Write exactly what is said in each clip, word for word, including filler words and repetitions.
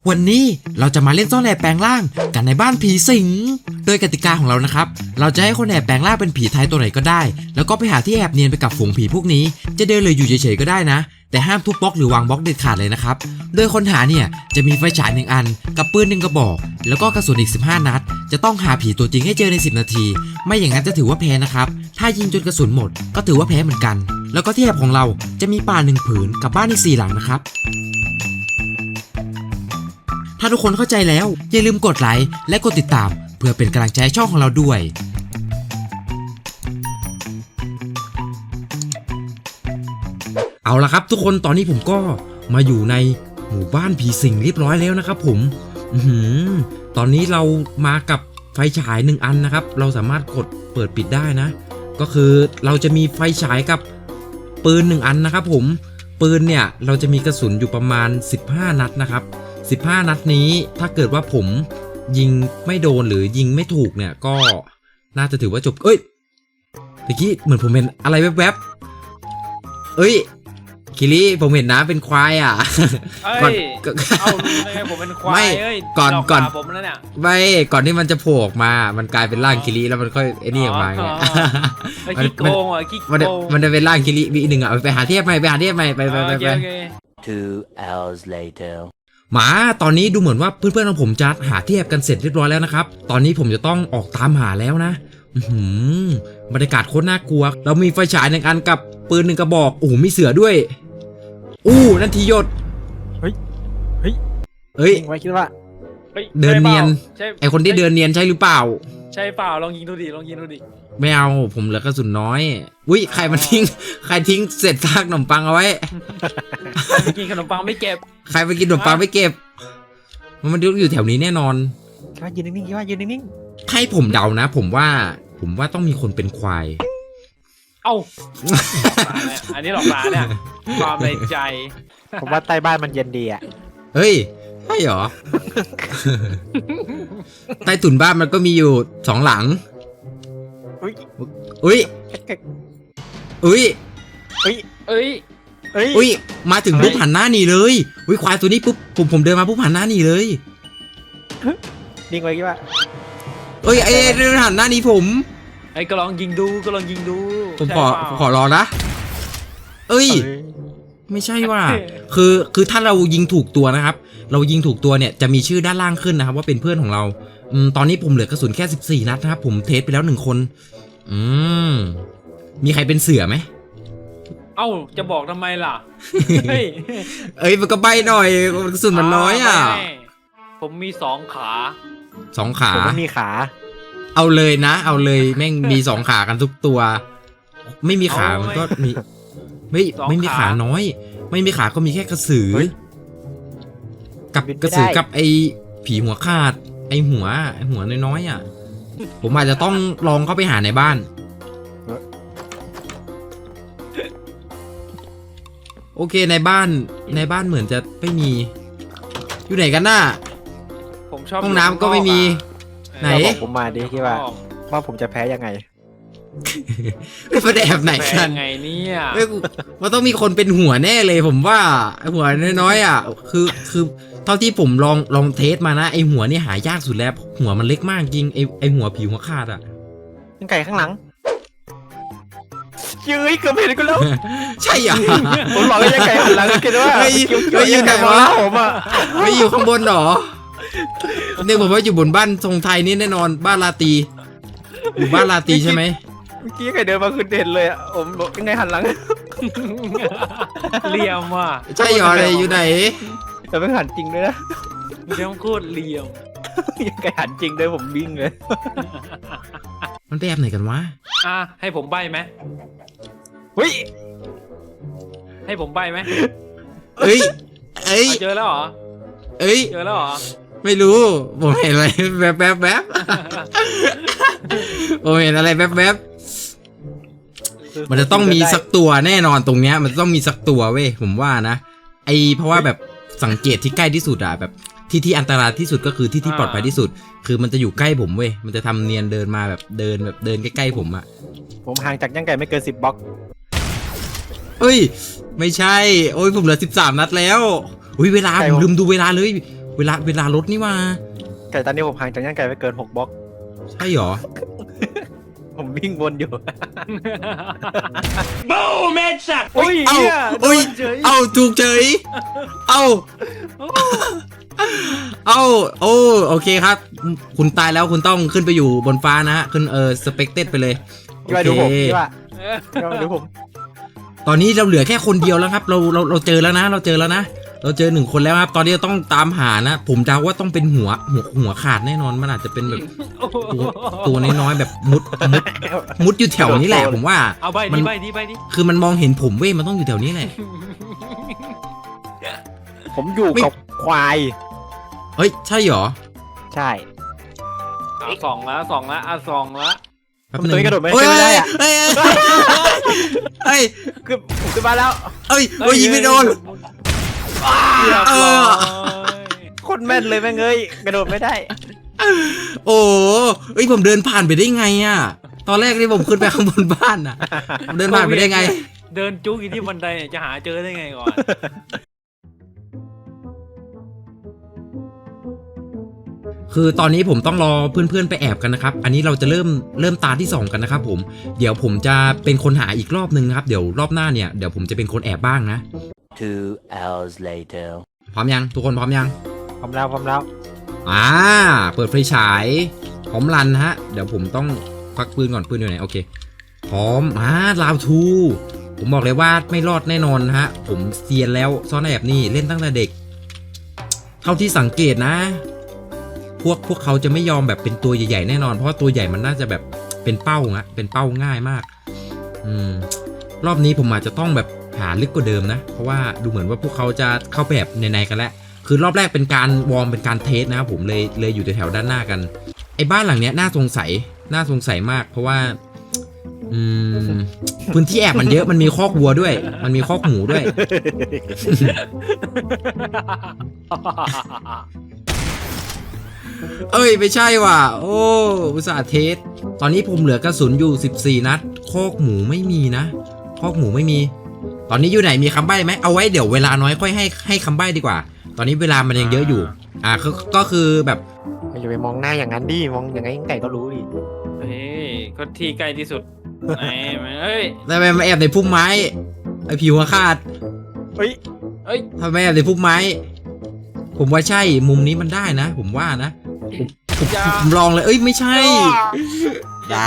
วันนี้เราจะมาเล่นซ่อนแอบแปลงร่างกันในบ้านผีสิงโดยกติกาของเรานะครับเราจะให้คนแอบแปลงร่างเป็นผีไทยตัวไหนก็ได้แล้วก็ไปหาที่แอบเนียนไปกับฝูงผีพวกนี้จะเดินเลยอยู่เฉยๆก็ได้นะแต่ห้ามทุบบล็อกหรือวางบล็อกเด็ดขาดเลยนะครับโดยคนหาเนี่ยจะมีไฟฉายหนึ่งอันกับปืนหนึ่งกระบอกแล้วก็กระสุนอีกสิบห้านัดจะต้องหาผีตัวจริงให้เจอในสิบนาทีไม่อย่างนั้นจะถือว่าแพ้นะครับถ้ายิงจนกระสุนหมดก็ถือว่าแพ้เหมือนกันแล้วก็ที่แอบของเราจะมีป่าหนึ่งผืนกับบ้านอีกสี่หลังนะครับถ้าทุกคนเข้าใจแล้วอย่าลืมกดไลค์และกดติดตามเพื่อเป็นกำลังใจให้ช่องของเราด้วยเอาละครับทุกคนตอนนี้ผมก็มาอยู่ในหมู่บ้านผีสิงเรียบร้อยแล้วนะครับผมอือหือตอนนี้เรามากับไฟฉายหนึ่งอันนะครับเราสามารถกดเปิดปิดได้นะก็คือเราจะมีไฟฉายกับปืนหนึ่งอันนะครับผมปืนเนี่ยเราจะมีกระสุนอยู่ประมาณสิบห้านัดนะครับสิบห้านัดนี้ถ้าเกิดว่าผมยิงไม่โดนหรือยิงไม่ถูกเนี่ยก็น่าจะถือว่าจบเอ้ยตะกี้เหมือนผมเห็นอะไรแวบๆเอ้ยคิริผมเห็นนะเป็นควายอ่ะก่อนเอ้าไงผมเป็นควายเอ้ยก่อนก่อนผมแล้วเนี่ยไม่ก่อนที่มันจะโผล่ออกมามันกลายเป็นร่างคิริแล้วมันค่อยไอ้นี่ออกมาไงมันขี้โกงอ่ะขี้โกงมันจะเป็นร่างคิริวีหนึ่งอ่ะไปหาเทียบใหม่ไปหาเทียบใหม่ไปไปไปไป Two hours later หมาตอนนี้ดูเหมือนว่าเพื่อนๆของผมจะหาที่แอบกันเสร็จเรียบร้อยแล้วนะครับตอนนี้ผมจะต้องออกตามหาแล้วนะบรรยากาศโคตรน่ากลัวเรามีไฟฉายหนึ่งอันกับปืนหนึ่งกระบอกโอ้โหมีเสือด้วยอู้นั่นทีหยดเฮ้ยเฮ้ยเฮ้ยไว้คิดว่าเดินเนียนไอคนที่เดินเนียนใช่หรือเปล่าใช่เปล่าลองยิงดูดิลองยิงดูดิไม่เอาผมเหลือกระสุนน้อยอุ้ยใครมันทิ้งใครทิ้งเศษซากขนมปังเอาไว้ใครไปกินขนมปังไม่เก็บใครไปกินขนมปังไม่เก็บมันมันอยู่แถวนี้แน่นอนคิดว่ายืนนิ่งๆคิดว่ายืนนิ่งๆให้ผมเดานะผมว่าผมว่าต้องมีคนเป็นควายเอ้าอันนี้หลอกตาเนี่ยความในใจผมว่าใต้บ้านมันเย็นดีอ่ะเฮ้ยใช่เหรอใต้ถุนบ้านมันก็มีอยู่สองหลังอุ้ยอุ้ยอุ้ยอุ้ยเอ้ยเอ้ยอุ้ยมาถึงปุ๊บหันหน้าหนีเลยอุ้ยควายตัวนี้ปุ๊บผมผมเดินมาปุ๊บหันหน้าหนีเลยนิ่งไว้คิดว่าเอ้ยเอ้ยเดินหันหน้าหนีผมไอ้ก็ลองยิงดูก็ลองยิงดูผมขอขอรอนะเอ้ยไม่ใช่ว่าคือคือถ้าเรายิงถูกตัวนะครับเรายิงถูกตัวเนี่ยจะมีชื่อด้านล่างขึ้นนะครับว่าเป็นเพื่อนของเราอืมตอนนี้ผมเหลือกระสุนแค่สิบสี่นัดนะครับผมเทสไปแล้วหนึ่งคนอืมมีใครเป็นเสือไหมเอ้าจะบอกทำไมล่ะเฮ้ยเอ้ยมันก็ใบหน่อยกระสุนมันน้อยอ่ะผมมีสองขาสองขาผมไม่มีขาเอาเลยนะเอาเลยแม่งมีสองขากันทุกตัวไม่มีขามันก็มีไม่ไม่มีขาน้อยไม่มีขาก็มีแค่กระสือกับกระสือกับไอผีหัวขาดไอหัวไอหัวน้อยๆอ่ะผมอาจจะต้องลองเข้าไปหาในบ้านโอเคในบ้านในบ้านเหมือนจะไม่มีอยู่ไหนกันน่ะผมชอบห้องน้ำก็ไม่มีไหนบอกผมมาดิที่ว่าว่าผมจะแพ้ยังไงไม่ไปแอบไหนกันไงเนี่ยมันต้องมีคนเป็นหัวแน่เลยผมว่าหัวน้อยๆอ่ะคือคือเท่าที่ผมลองลองเทสมานะไอหัวนี่หายากสุดแล้วหัวมันเล็กมากจริงไอไอหัวผีหัวขาดอ่ะยังไก่ข้างหลังยื้อเกือบเห็นกูแล้วใช่อ่ะผมบอกว่ายังไก่หันหลังคิดว่าไม่ไม่อยู่ไหนวะผมอ่ะไม่อยู่ข้างบนหรอเนี่ยผมว่าอยู่บนบ้านทรงไทยนี่แน่นอนบ้านลาตีอยู่บ้านลาตีใช่ไหมเมื่อกี้ใครเดินมาคือเด่นเลยอ่ะผมบอกยังไงหันหลังเลี่ยมว่ะใช่หรอเลยอยู่ไหนแต่ไม่หันจริงด้วยนะเลี่ยมโคตรเลี่ยมยังไงหันจริงด้วยผมวิ่งเลยมันไปแอบไหนกันวะอ่ะให้ผมใบ้ไหมเฮ้ยให้ผมใบ้ไหมเอ้ยเอ้ยเจอแล้วเหรอเอ้ยเจอแล้วเหรอไม่รู้ผมเห็นอะไรแวบแวบแวบผมเห็นอะไรแวบแวบมันจะต้องมีสักตัวแน่นอนตรงเนี้ยมันต้องมีสักตัวเว้ยผมว่านะไอเพราะว่าแบบสังเกตที่ใกล้ที่สุดอะแบบที่ที่อันตรายที่สุดก็คือที่ที่ปลอดภัยที่สุดคือมันจะอยู่ใกล้ผมเว้ยมันจะทำเนียนเดินมาแบบเดินแบบเดินใกล้ๆผมอะผมห่างจากยังไก่ไม่เกินสิบบล็อกเอ้ยไม่ใช่โอ้ยผมเหลือสิบสามนัดแล้วอุ้ยเวลาผมลืมดูเวลาเลยเวลาเวลารถนี่ว่าไก่ตอนนี้ผมห่างจากย่างไก่ไปเกินหกบล็อกใช่เหรอผมวิ่งวนอยู่โอ้ยเอ้าหี้ยเอ้ยโดนเฉยเอ้าถูกเฉยเอ้าเอ้าโอ้โอเคครับ คุณตายแล้วคุณต้องขึ้นไปอยู่บนฟ้านะฮะขึ้นเออสเปกเต็ดไปเลยโอพี่ว่าเคดูผมพี่ว่าพี่ว่าดูผมตอนนี้เราเหลือแค่คนเดียวแล้วครับ เราเราเราเจอแล้วนะ เราเจอแล้วนะ เราเจอหนึ่งคนแล้วครับ ตอนนี้เราต้องตามหานะ ผมเดาว่าต้องเป็นหัวหัวหัวขาดแน่นอน มันอาจจะเป็นแบบตัวตัวน้อยๆแบบมุดมุดมุดอยู่แถวนี้แหละ ผมว่าเอาใบมัดินใบดิใบดิคือมันมองเห็นผมเว้ย มันต้องอยู่แถวนี้แหละผมอยู่ไม่กับควายเฮ้ย ใช่เหรอใช่เอาสองละสองละอ่ะสองละแป๊บผมนึตัวงนี้กระโดดไม่เฮ้ยไม่ได้อะเฮ้ยเฮ้ยคือผมขึ้นมาแล้วเฮ้ยเฮ้ยยิงไม่โดนเรียบเอร้ออยโคตรแม่นเลยแม่งเอ้ยกระโดดไม่ได้โอ้เฮ้ย ผมเดินผ่านไปได้ไงอ่ะ ตอนแรกที่ผมขึ้นไปข้างบนบ้านอ่ะผมเดินผ่านไปได้ไงเดินจุกอยู่ที่บันไดเนี่ยจะหาเจอได้ไงก่อนคือตอนนี้ผมต้องรอเพื่อนๆไปแอบกันนะครับ อันนี้เราจะเริ่มเริ่มตาที่สองกันนะครับผม เดี๋ยวผมจะเป็นคนหาอีกรอบนึงนะครับ เดี๋ยวรอบหน้าเนี่ย เดี๋ยวผมจะเป็นคนแอบบ้างนะ Two hours later. พร้อมยัง ทุกคนพร้อมยังพร้อมแล้วพร้อมแล้วอ่า เปิดไฟฉายพร้อมรันฮะ เดี๋ยวผมต้องควักปืนก่อนปืนอยู่ไหน โอเค พร้อม อ่าลาวทู ผมบอกเลยว่าไม่รอดแน่นอนฮะ ผมเซียนแล้วซ่อนแอบนี่เล่นตั้งแต่เด็ก เท่าที่สังเกตนะ พวกพวกเขาจะไม่ยอมแบบเป็นตัวใหญ่ๆแน่นอน เพราะว่าตัวใหญ่มันน่าจะแบบเป็นเป้าอะเป็นเป้าง่ายมาก อืม รอบนี้ผมอาจจะต้องแบบหาลึกกว่าเดิมนะ เพราะว่าดูเหมือนว่าพวกเขาจะเข้าไปแบบในๆกันแล้ว คือรอบแรกเป็นการวอร์มเป็นการเทสนะครับผมเลยเลยอยู่แถวๆด้านหน้ากัน ไอ้บ้านหลังเนี้ยน่าสงสัยน่าสงสัยมาก เพราะว่า อืม พื้นที่แอบมันเยอะมันมีคอกวัวด้วย มันมีคอกหมูด้วย เอ้ยไม่ใช่ว่ะโอ้อุตส่าห์เทสตอนนี้ผมเหลือกระสุนอยู่สิบสี่นัดคอกหมูไม่มีนะคอกหมูไม่มี ตอนนี้อยู่ไหนมีคำใบ้ไหมเอาไว้เดี๋ยวเวลาน้อยค่อยให้ให้คำใบ้ดีกว่า ตอนนี้เวลามันยังเยอะอยู่ อ่าก็ก็คือแบบอย่าไปมองหน้าอย่างนั้นดิมองอย่างไงไก่ก็รู้ดิเฮ้ยก็ที่ใกล้ที่สุดไหนมันเอ้ยทำไมมาแอบในพุ่มไม้ไอผิวขาดเฮ้ยเอ้ยทำไมแอบในพุ่มไม้ ผมว่าใช่มุมนี้มันได้นะ ผมว่านะอย่าผมลองเลยเอ้ยไม่ใช่อย่า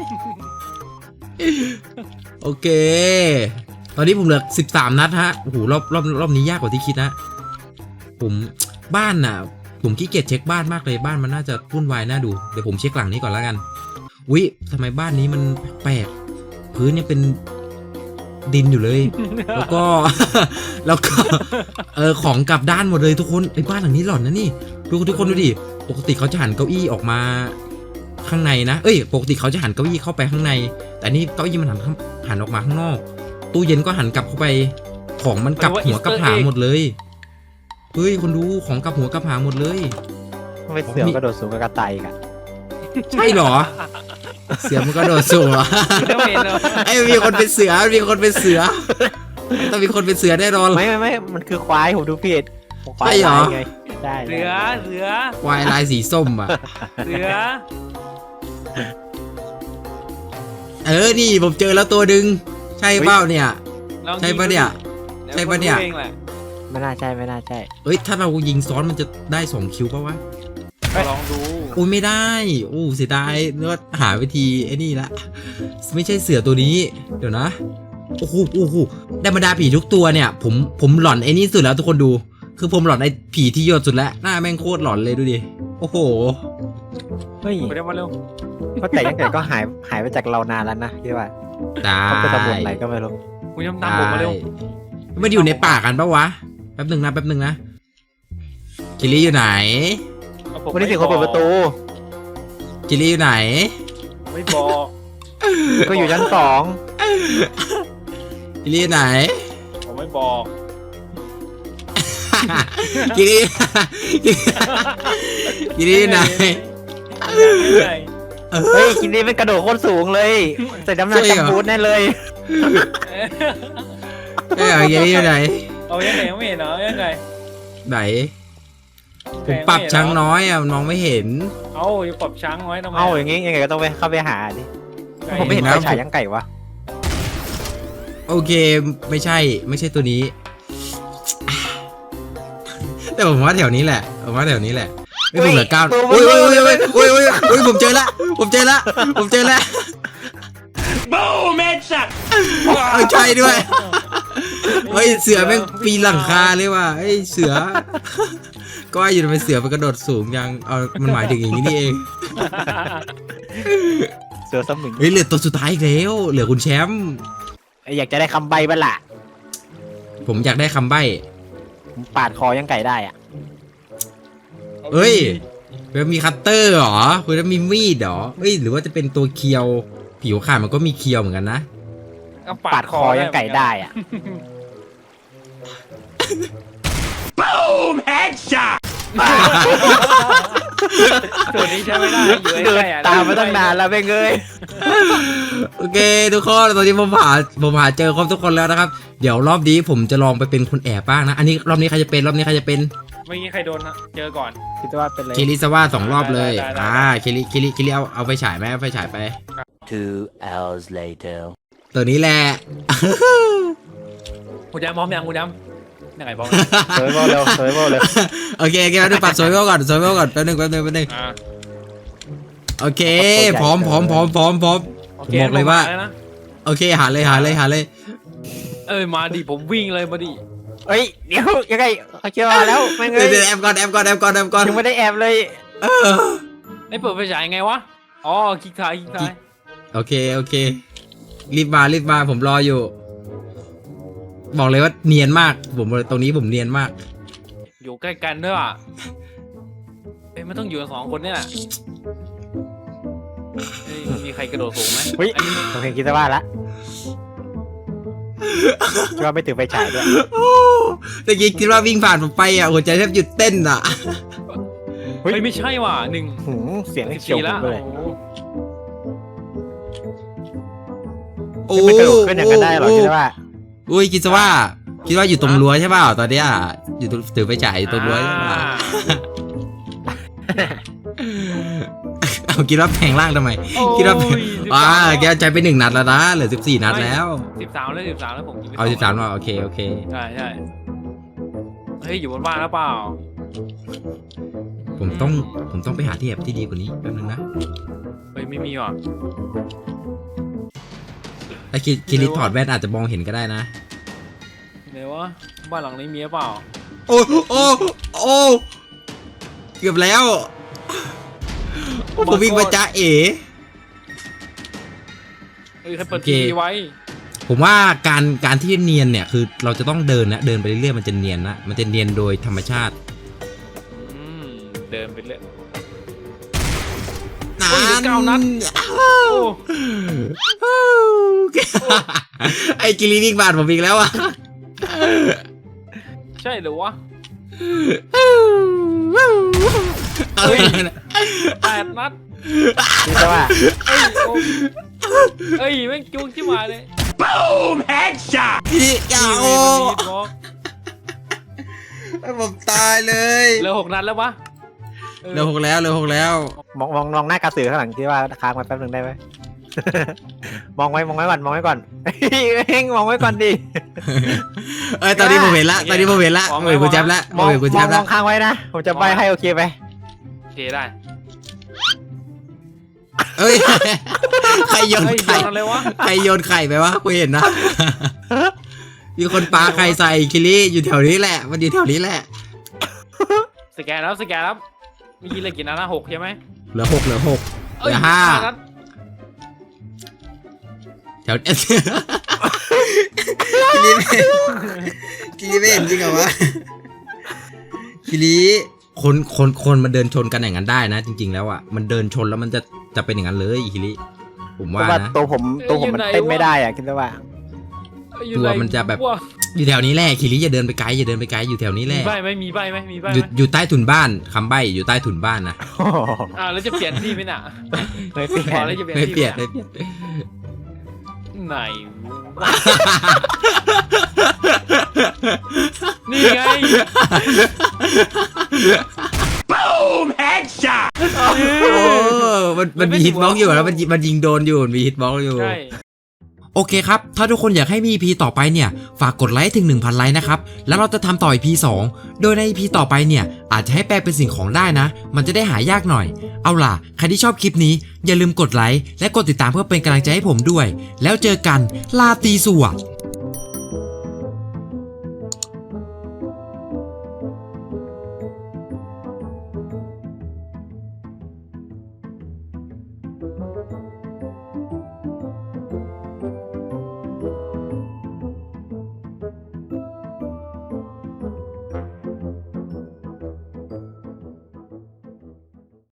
โอเค ตอนนี้ผมเหลือสิบสามนัดฮะโอ้โหรอบรอบรอบนี้ยากกว่าที่คิดนะผมบ้านน่ะ ผมขี้เกียจเช็คบ้านมากเลยบ้านมันน่าจะวุ่นวายน่าดูเดี๋ยวผมเช็คหลังนี้ก่อนแล้วกันวิทำไมบ้านนี้มันแปลกพื้นเนี่ยเป็นดินอยู่เลย แล้วก็ แล้วก็เออของกลับด้านหมดเลยทุกคนไอ้บ้านหลังนี้หลอนนะนี่ดูทุกคนดูดิปกติเขาจะหันเก้าอี้ออกมาข้างในนะเอ้ยปกติเขาจะหันเก้าอี้เข้าไปข้างในแต่นี่เก้าอี้มันหันหันออกมาข้างนอกตู้เย็นก็หันกลับเข้าไปของมันกลับหัวกลับหางหมดเลยเฮ้ยคนดูของกลับหัวกลับหางหมดเลยทำไมเสือกระโดดสูงกับกระต่ายอีกันใช่เหรอ เสือมันก็โดดสูงเหรอไม่เห็นเหรอไอ้มีคนเป็นเสือมีคนเป็นเสือต้องมีคนเป็นเสือแน่นอนไม่ไม่ไม่มันคือควายผมดูผิดควายใช่เหรอลายไงได้เสือเสือควายลายสีส้มอ่ะเสือเออนี่ผมเจอแล้วตัวดึงใช่เปล่าเนี่ยลองใช่ปะเนี่ยดี๋วใช่ปะเนี่ยคุณรู้องแหละไม่น่าใช่ไม่น่าใช่เอ้ยถ้าเรายิงซ้อนมันจะได้สองคิวปะวะลองดูอุ้ยไม่ได้อู้เสียดายเนื้อหาวิธีไอ้นี่ละไม่ใช่เสือตัวนี้ เดี๋ยวนะโอ้โหโอ้โหได้บรรดาผีทุกตัวเนี่ย ผมผมหลอนไอ้นี่สุดแล้วทุกคนดู คือผมหลอนไอ้ผีที่ยอดสุดแล้วหน้าแม่งโคตรหลอนเลยดูดิโอ้โหเฮ้ยไปเร็วมาเร็วเพราะแต่ยังไงก็หายหายไปจากเรานานแล้วนะพี่ว่าได้เขาไปตำรวจไหนก็ไม่รู้คุณยำตามผมมาเร็วไม่ได้อยู่ในป่ากันปะวะแป๊บหนึ่งนะแป๊บหนึ่งนะกิลลี่อยู่ไหนเอาผมวันนี้เสียงคนเปิดประตูกิลลี่อยู่ไหนไม่บอกก็อยู่ชั้นสองกิลลี่อยู่ไหนผมไม่บอกกิลลี่ กิลลี่อยู่ไหนไหนเฮ้ยคินดี้เป็นกระโดดโคตรสูงเลยใส่น้ำหนักใช่เหรอจำบูทแน่เลยเอ้ยกิลลี่อยู่ไหนเอายังไงไม่เห็นเหรอยังไงไหนผมปรับช้างน้อยอ่ะน้องไม่เห็นเอ้าอย่าปรับช้างไว้ทำไมเอาอย่างงี้ยังไงก็ต้องไปเข้าไปหาดิผมไม่เห็นไฟฉายยังไก่วะโอเคไม่ใช่ไม่ใช่ตัวนี้ แต่ผมว่าแถวนี้แหละผมว่าแถวนี้แหละไม่ผมเหลือเก้าโอ้ยโอ้ยโอ้ยโอ้ยโอ้ยโอ้ยโอ้ยผมเจอละผมเจอละผมเจอละบูแมนสัตว์ใช่ด้วยเฮ้ยเสือแม่งปีนหลังคาเลยว่ะเฮ้ยเสือก็อยู่เป็นเสือมันกระโดดสูงยังเอามันหมายถึงอย่างนี้นี่เองเสือสมิงเฮ้ยเหลือตัวสุดท้ายอีกแล้วเหลือคุณแชมป์อยากจะได้คำใบ้บ้างล่ะผมอยากได้คำใบ้ผมปาดคอยังไก่ได้อ่ะเฮ้ยมันมีคัตเตอร์เหรอคุณจะมีมีดเหรอเฮ้ยหรือว่าจะเป็นตัวเคียวผิวขาดมันก็มีเคียวเหมือนกันนะก็ปาดคอยังไก่ได้อ่ะตัวนี้ใช้ไม่ได้อยู่เดินใกล้ๆอะตามมาตั้งนานแล้วเบ้งเอ้ยโอเคทุกคนตอนนี้ผมหาผมหาเจอครบทุกคนแล้วนะครับเดี๋ยวรอบนี้ผมจะลองไปเป็นคนแอบบ้างนะอันนี้รอบนี้ใครจะเป็นรอบนี้ใครจะเป็นเมื่อกี้ใครโดนนะเจอก่อนคิดว่าเป็นอะไรเคลิสว่าสองรอบเลยได้ได้ได้อ่าเคลิเคลิเคลิเอาเอาไฟฉายไหมเอาไฟฉายไป Two hours later. ตัวนี้แหละคุณย้ำพร้อมยังคุณย้ำยังไงพร้อมเฮ้ยโบเร็วเฮ้ยโบเร็วโอเคโอเคแป๊บนึงปรับโซยเวลก่อนโซยเวลก่อนแป๊บนึงแป๊บนึงแป๊บนึงอ่าโอเคพร้อมพร้อมพร้อมพร้อมพร้อมโอผมเคบอกเลยว่าผมมแนะโอเคหาเลยหาเลยหาเลยเอ้ยมาดิผมวิ่งเลยมาดิเฮ้ยเดี๋ยวยังไงเขาเชื่อมาแล้วแม่งเดี๋เอ้ยวย เดี๋ยวแอมก่อนแอมก่อนแอมก่อนแอมก่อนยังไม่ได้แอบเลยเออไอ้เปิดไฟฉายไงวะอ๋อคลิกซ้ายคลิกซ้ายโอเคโอเครีบมารีบมาผมรออยู่ บอกเลยว่าเนียนมากผมตรงนี้ผมเนียนมากอยู่ใกล้กันด้วยอ่ะเอ้ยมันต้องอยู่กันสองคนเนี่ยแหละเอ้ยมีใครกระโดดสูงไหมเฮ้ยอันนี้ผมเห็นคิดว่าละคิดว่าไม่ถือไฟฉายด้วยโอ้ตะกี้คิดว่าวิ่งผ่านผมไปอ่ะหัวใจแทบหยุดเต้นอ่ะเฮ้ยเฮ้ยไม่ใช่ว่ะหนึ่งหืมเสียงสิบเฉียวสี่ผละมเลยโอ้โหโอ้ไม่กระโดดขึ้นอย่างนั้นได้หรอคิดว่าอุ้ยคิดซะว่าคิดว่าอยู่ตรงรั้วใช่เปล่าตอนเนี้ยอยู่ตรงถือไฟฉายอยู่ตรงรั้วใช่เปล่าอ่าเอาคิดว่าแพงล่างทำไมโอ้ยคิดว่าสิบอ่าสามแกใจไปหนึ่งนัดแล้วนะเหลือสิบสี่นัดแล้วสิบสามแล้วสิบสามแล้วผมยิงไปเอาสิบสามมาโอเคโอเคใช่ใช่เฮ้ยอยู่บนบ้านแล้วเปล่าผมต้องผมต้องไปหาที่แอบที่ดีกว่านี้แป๊บนึงนะเฮ้ยไม่มีว่ะถ้าคิดคิริถอดแว่นอาจจะมองเห็นก็ได้นะไหนวะบ้านหลังนี้มีหรือเปล่าโอ้โอ้โอ้เกือบแล้วโอ้ผมวิ่งมาจ้าเอ๋เฮ้ยใครเปิดโอเคทีวีไว้ผมว่าการการที่เนียนเนี่ยคือเราจะต้องเดินนะเดินไปเรื่อยๆมันจะเนียนนะมันจะเนียนโดยธรรมชาติอืมเดินไปเรื่อยนโอ้ยเหลือเก้านัด โอ้ไอ้กิริวิ่งบาดผมอีกแล้วอ่ะใช่หรือวะเฮ้ยแปดนัดคิดว่าเอ้ยโอ้เอ้ยแม่งจุกชิบหายเลยพี่อย่านี่โอ้มันมีบล็อกให้ผมตายเลยเหลือหกนัดแล้วปะออเร็วหกแล้วเร็วหกแล้วมองมองมองหน้ากระสือข้างหลังคิดว่าค้างไว้แป๊บนึงได้ไหม มองไว้มองไว้ก่อนมองไว้ก่อนเฮ้งมองไว้ก่อนดิเอ้ยตอนนี้ผมเห็นละตอนนี้ผมเห็นละผมเห็นคุณแจ๊บละผม มองเห็นคุณมแจ๊องบมละองค้างไว้นะผมจะใบให้โอเคไหมโอเคได้เอ้ยใครโยนเฮ้ยไข่โยนอะไรวะใครโยนไข่ไปวะกูเห็นนะ มีคนปาไข่ใส่คิริอยู่แถวนี้แหละ มันอยู่แถวนี้แหละสแกนแล้วสแกนแล้วมีกี่เลยกี่นัดนะหกใช่ไหมเหลือหกเหลือหกเหเอ้ยลือห้านัดแถว คิริไม่คิริไม่เห็นจริงเหรอวะคิริคนคนคนมันเดินชนกันอย่างนั้นได้นะ จริง ๆ แล้วอ่ะมันเดินชนแล้วมันจะจะเป็นอย่างนั้นเลยคิริผมเพว่าราะว่านะตัวผมตัวผมมันเต้นไม่ได้อะคิดว่าเอ้ยอยู่ตัวไหมันจะแบบวอยู่แถวนี้แหละคิริอย่าเดินไปไกลอย่าเดินไปไกลอยู่แถวนี้แหมีละใบไหมมีใบไหมมีใบอยู่ไหมอยู่ใต้ถุนบ้านคำใบ้อยู่ใต้ถุนบ้านนะอ่าแล้วจะเปลี่ยนที่ไหมน่ะไม่เปลี่ยอ๋อน แล้วจะเปลี่ยนไม่ที่เปลี่ยนหไม่เปลี่ยนไหนวะนี่ไงมันมันมีฮิตบ็อกอยู่แล้วมันมันยิงโดนอยู่มีฮิตบ็อกอยู่ใช่โอเคครับถ้าทุกคนอยากให้มี อี พี ต่อไปเนี่ยฝากกดไลค์ถึง หนึ่งพัน ไลค์นะครับแล้วเราจะทำต่อ อี พี สองโดยใน อี พี ต่อไปเนี่ยอาจจะให้แปลเป็นสิ่งของได้นะมันจะได้หายากหน่อยเอาล่ะใครที่ชอบคลิปนี้อย่าลืมกดไลค์และกดติดตามเพื่อเป็นกำลังใจให้ผมด้วยแล้วเจอกันลาตีสวัสดิ์